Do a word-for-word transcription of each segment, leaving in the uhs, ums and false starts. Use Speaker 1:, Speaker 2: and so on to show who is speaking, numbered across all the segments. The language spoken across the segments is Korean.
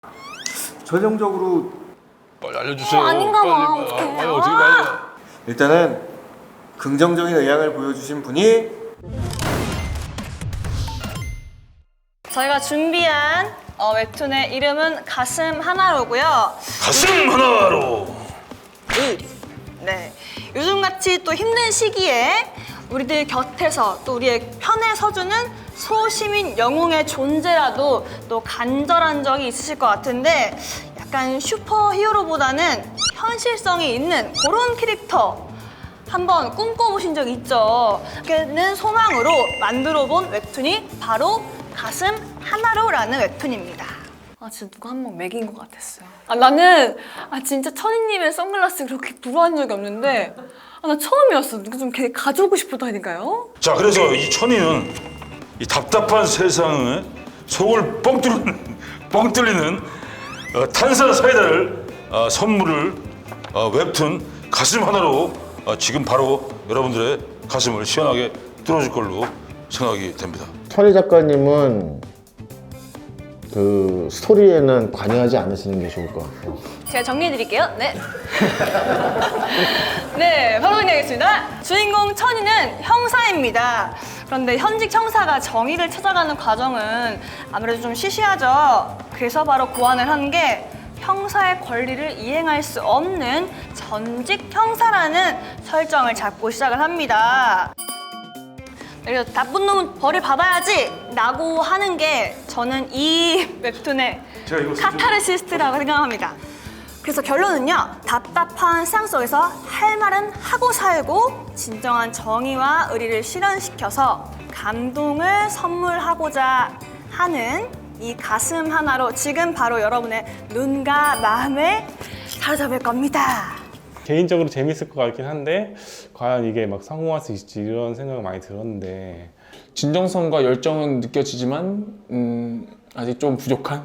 Speaker 1: 전형적으로
Speaker 2: 빨리 알려주세요.
Speaker 3: 어, 아닌가 봐.
Speaker 2: 빨리,
Speaker 3: 어떡해.
Speaker 2: 빨리, 어떻게 빨리.
Speaker 1: 일단은 긍정적인 의향을 보여주신 분이
Speaker 3: 저희가 준비한 어, 웹툰의 이름은 가슴 하나로고요.
Speaker 2: 가슴 하나로.
Speaker 3: 네, 요즘같이 또 힘든 시기에 우리들 곁에서 또 우리의 편에 서주는 소시민 영웅의 존재라도 또 간절한 적이 있으실 것 같은데 약간 슈퍼히어로보다는 현실성이 있는 그런 캐릭터 한번 꿈꿔보신 적 있죠? 그는 소망으로 만들어본 웹툰이 바로 가슴 하나로라는 웹툰입니다. 아 진짜 누가 한 번 매긴 것 같았어요. 아 나는 아 진짜 천희님의 선글라스 그렇게 부러워한 적이 없는데 아 나 처음이었어. 누가 좀 걔 가져오고 싶었다니까요.
Speaker 2: 자, 그래서 이 천이는 이 답답한 세상에 속을 뻥 뚫는 뻥 뚫리는 어, 탄산 사이다를 어, 선물을 어, 웹툰 가슴 하나로 어, 지금 바로 여러분들의 가슴을 시원하게 뚫어줄 걸로 생각이 됩니다.
Speaker 4: 천희 작가님은 그 스토리에는 관여하지 않으시는 게 좋을 것 같아요.
Speaker 3: 제가 정리해드릴게요. 네. 네, 바로 정리하겠습니다. 주인공 천이는 형사입니다. 그런데 현직 형사가 정의를 찾아가는 과정은 아무래도 좀 시시하죠. 그래서 바로 고안을 한 게 형사의 권리를 이행할 수 없는 전직 형사라는 설정을 잡고 시작을 합니다. 그래서 나쁜 놈은 벌을 받아야지 라고 하는 게 저는 이 웹툰의 카타르시스트라고 생각합니다. 그래서 결론은요, 답답한 세상 속에서 할 말은 하고 살고 진정한 정의와 의리를 실현시켜서 감동을 선물하고자 하는 이 가슴 하나로 지금 바로 여러분의 눈과 마음을 사로잡을 겁니다.
Speaker 5: 개인적으로 재밌을 것 같긴 한데 과연 이게 막 성공할 수 있을지 이런 생각을 많이 들었는데
Speaker 6: 진정성과 열정은 느껴지지만 음, 아직 좀 부족한?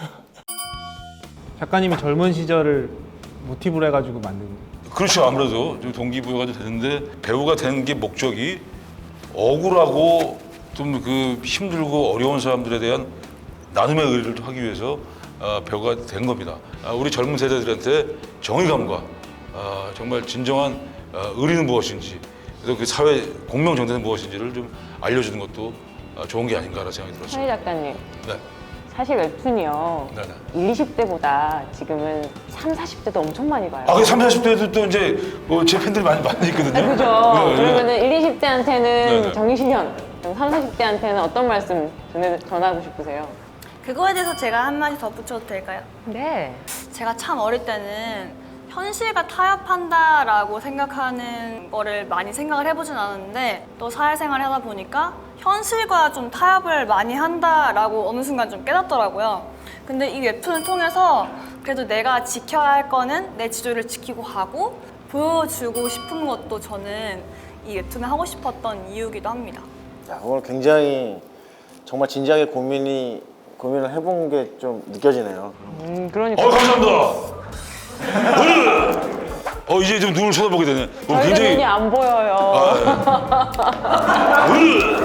Speaker 7: 작가님이 젊은 시절을 모티브로 해가지고 만든
Speaker 2: 그렇죠. 아무래도 좀 동기부여가 좀 되는데 배우가 되는 게 목적이 억울하고 좀 그 힘들고 어려운 사람들에 대한 나눔의 의리를 하기 위해서 어, 배우가 된 겁니다. 아, 우리 젊은 세대들한테 정의감과 어, 정말 진정한 어, 의리는 무엇인지 그래서 그 사회 공명 정대는 무엇인지를 좀 알려주는 것도 어, 좋은 게 아닌가라는 생각이 들었습니다.
Speaker 8: 천희 작가님,
Speaker 2: 네.
Speaker 8: 사실 웹툰이요.
Speaker 2: 네네.
Speaker 8: 일, 이십 대보다 지금은 삼, 사십 대도 엄청 많이 봐요.
Speaker 2: 아, 그 삼, 사십 대도 또 이제 뭐 제 팬들이 많이 많이 있거든요.
Speaker 8: 아, 그죠?
Speaker 2: 네, 네.
Speaker 8: 그러면은 일, 이십 대한테는
Speaker 2: 네네.
Speaker 8: 정의실현, 삼, 사십 대한테는 어떤 말씀 전해, 전하고 싶으세요?
Speaker 3: 그거에 대해서 제가 한마디 덧붙여도 될까요?
Speaker 8: 네.
Speaker 3: 제가 참 어릴 때는 현실과 타협한다라고 생각하는 거를 많이 생각을 해보진 않았는데 또 사회생활을 하다 보니까 현실과 좀 타협을 많이 한다라고 어느 순간 좀 깨닫더라고요. 근데 이 웹툰을 통해서 그래도 내가 지켜야 할 거는 내 지조를 지키고 가고 보여주고 싶은 것도 저는 이 웹툰을 하고 싶었던 이유기도 합니다.
Speaker 4: 야, 오늘 굉장히 정말 진지하게 고민이 고민을 해본 게 좀 느껴지네요.
Speaker 8: 음, 그러니까.
Speaker 2: 어, 감사합니다. 어, 이제 좀 눈을 쳐다보게 되네. 어,
Speaker 8: 저희가
Speaker 2: 굉장히
Speaker 8: 눈이 안 보여요.
Speaker 2: 아,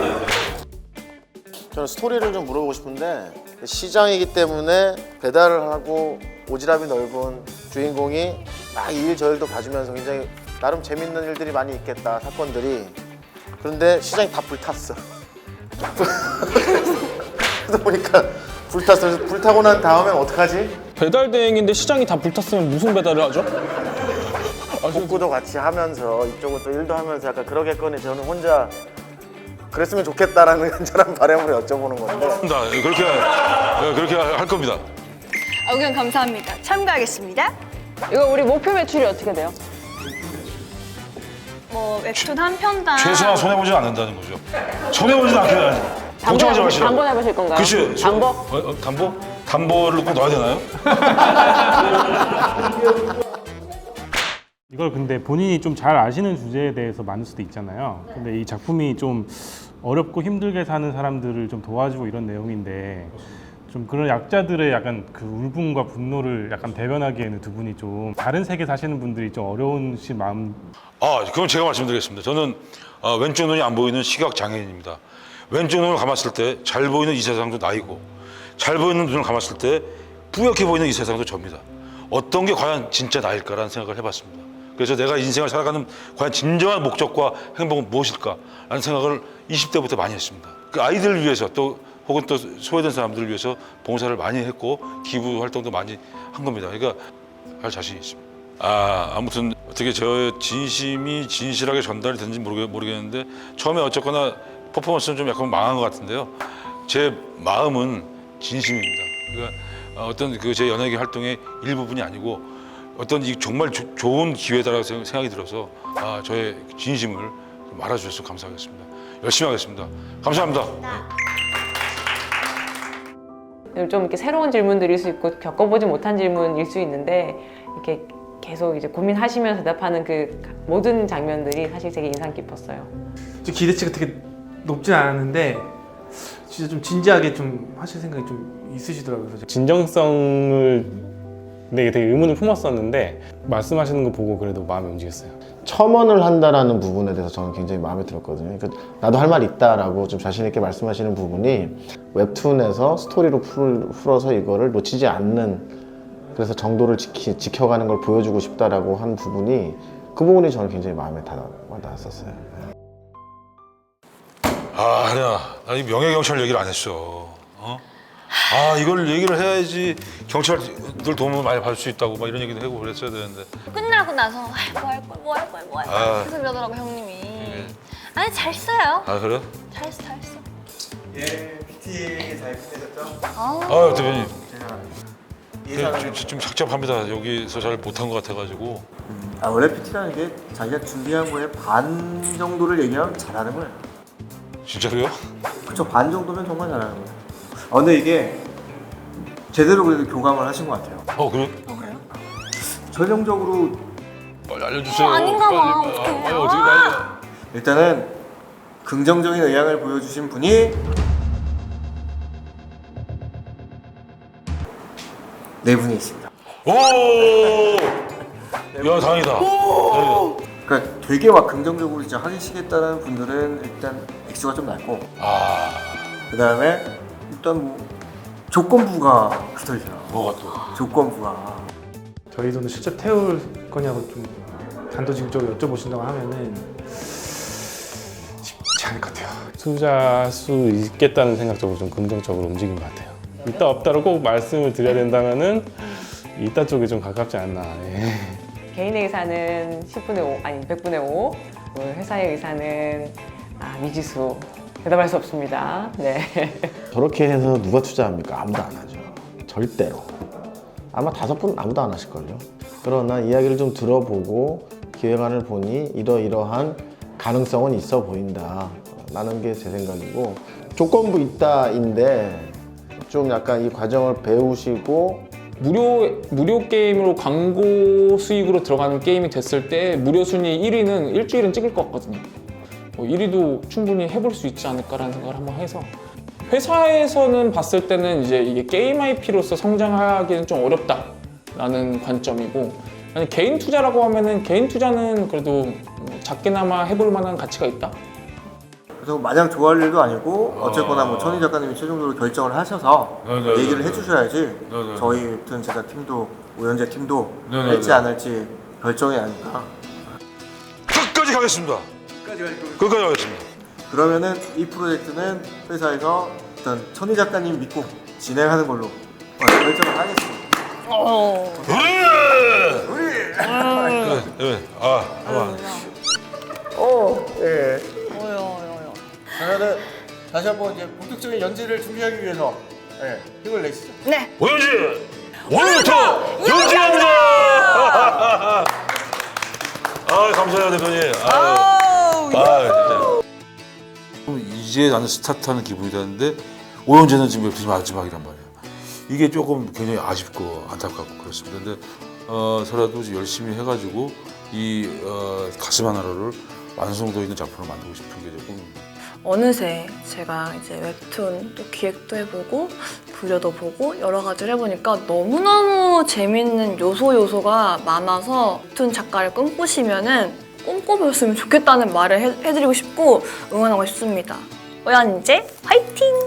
Speaker 4: 저는 스토리를 좀 물어보고 싶은데 시장이기 때문에 배달을 하고 오지랖이 넓은 주인공이 막 이 일 저 일도 봐주면서 굉장히 나름 재밌는 일들이 많이 있겠다, 사건들이. 그런데 시장이 다 불탔어. 그러다 보니까 불탔어. 그래서 불타고 난 다음엔 어떡하지?
Speaker 6: 배달 대행인데 시장이 다 불탔으면 무슨 배달을 하죠?
Speaker 4: 복구도 같이 하면서 이쪽은 또 일도 하면서 약간 그러겠거니 저는 혼자 그랬으면 좋겠다라는 간절한 바람으로 여쭤보는 건데.
Speaker 2: 나 그렇게 할- 그렇게 할 겁니다.
Speaker 3: 아, 의견 감사합니다. 참고하겠습니다.
Speaker 8: 이거 우리 목표 매출이 어떻게 돼요?
Speaker 3: 뭐 웹툰 한 편당
Speaker 2: 최소한 손해 보지 않는다는 거죠. 손해 보지 않게 걱정하지 마시라고.
Speaker 8: 담보 해보실 건가요?
Speaker 2: 그치.
Speaker 8: 담보?
Speaker 2: 어, 어, 담보? 담보를 꼭 넣어야 되나요?
Speaker 5: 이걸 근데 본인이 좀 잘 아시는 주제에 대해서 만들 수도 있잖아요. 근데 이 작품이 좀 어렵고 힘들게 사는 사람들을 좀 도와주고 이런 내용인데 좀 그런 약자들의 약간 그 울분과 분노를 약간 대변하기에는 두 분이 좀 다른 세계 사시는 분들이 좀 어려우신 마음.
Speaker 2: 아, 그럼 제가 말씀드리겠습니다. 저는 어, 왼쪽 눈이 안 보이는 시각 장애인입니다. 왼쪽 눈을 감았을 때 잘 보이는 이 세상도 나이고 잘 보이는 눈을 감았을 때 뿌옇게 보이는 이 세상도 접니다. 어떤 게 과연 진짜 나일까라는 생각을 해봤습니다. 그래서 내가 인생을 살아가는 과연 진정한 목적과 행복은 무엇일까라는 생각을 이십 대부터 많이 했습니다. 그 아이들을 위해서 또 혹은 또 소외된 사람들을 위해서 봉사를 많이 했고 기부 활동도 많이 한 겁니다. 그러니까 할 자신이 있습니다. 아 아무튼 어떻게 저 진심이 진실하게 전달이 됐는지 모르겠, 모르겠는데 처음에 어쨌거나 퍼포먼스는 좀 약간 망한 것 같은데요. 제 마음은 진심입니다. 그러니까 어떤 그 제 연예계 활동의 일부분이 아니고 어떤 이 정말 조, 좋은 기회다라고 생각이 들어서 아 저의 진심을 말아주셔서 감사하겠습니다. 열심히 하겠습니다. 감사합니다.
Speaker 8: 좀 이렇게 새로운 질문들일 수 있고 겪어보지 못한 질문일 수 있는데 이렇게 계속 이제 고민하시면서 대답하는 그 모든 장면들이 사실 되게 인상 깊었어요.
Speaker 7: 좀 기대치가 되게 높진 않았는데 진짜 좀 진지하게 좀 하실 생각이 좀 있으시더라고요. 그래서
Speaker 5: 진정성을 되게 되게 의문을 품었었는데 말씀하시는 거 보고 그래도 마음이 움직였어요.
Speaker 4: 첨언을 한다라는 부분에 대해서 저는 굉장히 마음에 들었거든요. 그러니까 나도 할 말 있다라고 좀 자신 있게 말씀하시는 부분이 웹툰에서 스토리로 풀, 풀어서 이거를 놓치지 않는, 그래서 정도를 지키, 지켜가는 걸 보여주고 싶다라고 한 부분이, 그 부분이 저는 굉장히 마음에 다, 닿았었어요.
Speaker 2: 아 하냐, 나 이 명예 경찰 얘기를 안 했어. 어? 아 이걸 얘기를 해야지 경찰들 도움을 많이 받을 수 있다고 막 이런 얘기도 하고 그랬어야 되는데.
Speaker 3: 끝나고 나서 뭐 할 거야, 뭐 할 거야, 뭐 할 거야
Speaker 2: 아.
Speaker 3: 계속 이러더라고 형님이. 아니 잘 써요.
Speaker 2: 아 그래?
Speaker 3: 잘했어, 잘했어.
Speaker 1: 예, 피티 잘 끝내셨죠?
Speaker 3: 아,
Speaker 2: 아 대표님.
Speaker 1: 제가
Speaker 2: 네, 좀, 좀 착잡합니다. 여기서 잘 못한 것 같아가지고.
Speaker 1: 아 원래 피티라는 게 자기가 준비한 거에 반 정도를 얘기하면 잘하는 거예요.
Speaker 2: 진짜로요?
Speaker 1: 그쵸, 반 정도면 정말 잘하는 거예요. 아 근데 이게 제대로 그래도 교감을 하신 것 같아요.
Speaker 2: 어 그래?
Speaker 1: 전형적으로
Speaker 2: 빨리 알려주세요.
Speaker 3: 어, 아닌가 봐.
Speaker 2: 빨리,
Speaker 3: 어떡해.
Speaker 2: 빨리 어떻게 빨리.
Speaker 1: 일단은 긍정적인 의향을 보여주신 분이 네 분이 있습니다.
Speaker 2: 오! 야 다행이다. 다행이다.
Speaker 1: 그러니까 되게 막 긍정적으로 진짜 하시겠다는 분들은 일단 액수가 좀 낮고,
Speaker 2: 아
Speaker 1: 그 다음에 일단 뭐 조건부가 붙어 있어요.
Speaker 2: 뭐가 또?
Speaker 1: 조건부가
Speaker 7: 저희 돈을 실제 태울 거냐고 좀 단도직입적으로 여쭤보신다고 하면은 쉽지 않을 것 같아요.
Speaker 5: 투자할 수 있겠다는 생각적으로 좀 긍정적으로 움직인 것 같아요. 있다 없다로 꼭 말씀을 드려야 된다면은 있다 쪽에 좀 가깝지 않나. 예.
Speaker 8: 개인의 의사는 십분의 오, 아니 백분의 오, 회사의 의사는 아, 미지수. 대답할 수 없습니다. 네.
Speaker 4: 저렇게 해서 누가 투자합니까? 아무도 안 하죠. 절대로. 아마 다섯 분 아무도 안 하실걸요. 그러나 이야기를 좀 들어보고 기획안을 보니 이러이러한 가능성은 있어 보인다 라는 게 제 생각이고, 조건부 있다인데 좀 약간 이 과정을 배우시고
Speaker 6: 무료 무료 게임으로 광고 수익으로 들어가는 게임이 됐을 때 무료 순위 일 위는 일주일은 찍을 것 같거든요. 뭐 일 위도 충분히 해볼 수 있지 않을까라는 생각을 한번 해서, 회사에서는 봤을 때는 이제 이게 게임 아이피로서 성장하기는 좀 어렵다라는 관점이고, 아니 개인 투자라고 하면은 개인 투자는 그래도 작게나마 해볼 만한 가치가 있다.
Speaker 1: 그래서 마냥 좋아할 일도 아니고 어쨌거나 뭐 천희 작가님이 최종적으로 결정을 하셔서
Speaker 2: 네, 네,
Speaker 1: 얘기를
Speaker 2: 네,
Speaker 1: 해주셔야지
Speaker 2: 네, 네.
Speaker 1: 저희 웹툰 제작팀도 오연재 팀도
Speaker 2: 네, 네,
Speaker 1: 할지
Speaker 2: 네.
Speaker 1: 안 할지 결정이 아닐까.
Speaker 2: 끝까지 가겠습니다. 끝까지 가겠습니다.
Speaker 1: 그러면은 이 프로젝트는 회사에서 일단 천희 작가님 믿고 진행하는 걸로 어, 결정을 하겠습니다.
Speaker 3: 어.
Speaker 2: 그래! 그래, 그래. 아, 봐봐.
Speaker 1: 어, 예.
Speaker 3: 어여, 어여.
Speaker 1: 그러면은 다시 한번 이제 본격적인 연재를 준비하기 위해서 예, 힘을 내시죠.
Speaker 3: 네.
Speaker 2: 오연지! 오늘부터 연지합니다! 아, 감사해요, 대표님. 아,
Speaker 3: 아우,
Speaker 2: 아, 진짜. 이제 나는 스타트하는 기분이 드는데 오연재는 지금 웹툰이 마지막이란 말이야. 이게 조금 굉장히 아쉽고 안타깝고 그렇습니다. 근데 어, 서라도 열심히 해가지고 이 어, 가슴 하나를 완성도 있는 작품을 만들고 싶은 게 조금.
Speaker 3: 어느새 제가 이제 웹툰 또 기획도 해보고 부려도 보고 여러 가지를 해보니까 너무너무 재밌는 요소 요소가 많아서 웹툰 작가를 꿈꾸시면은 꿈꿔보셨으면 좋겠다는 말을 해, 해드리고 싶고 응원하고 싶습니다. 오연재 화이팅!